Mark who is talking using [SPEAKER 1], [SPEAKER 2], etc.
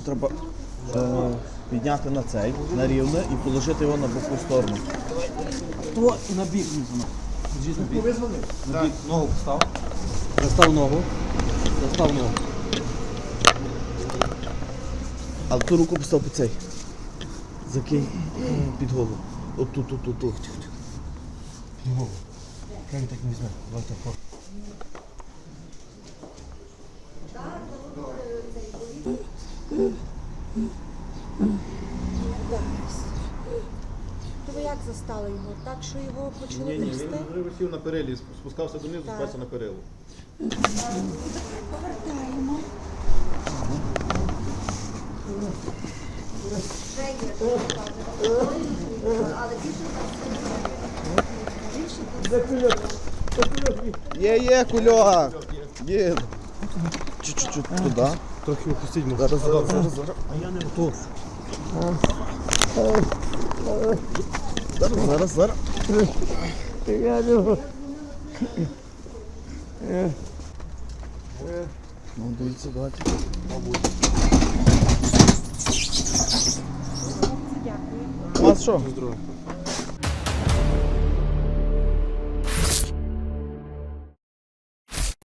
[SPEAKER 1] треба підняти на цей, на рівне і положити його на боку сторону. О, і на бік візьмемо. Держіть на бік. На бік. Ногу постав. Застав ногу. Застав ногу. Але ту руку постав під цей. Закинь під голову. От тут. Під голову. Як він так не візьме? Давай так.
[SPEAKER 2] То ви як застали його? Так, що його почали
[SPEAKER 3] Ні,
[SPEAKER 2] трясти?
[SPEAKER 3] він висів на перилі, спускався донизу, спався на перилу.
[SPEAKER 2] Повертаємо.
[SPEAKER 1] Є, кульок. Є. Чуть-чуть туди.
[SPEAKER 3] Трохи опустіть можна.
[SPEAKER 1] Зараз.
[SPEAKER 3] А я не готов.
[SPEAKER 1] Зараз. Ну, дивіться, давайте.
[SPEAKER 2] Дякую.
[SPEAKER 1] У вас що?
[SPEAKER 3] Здорово.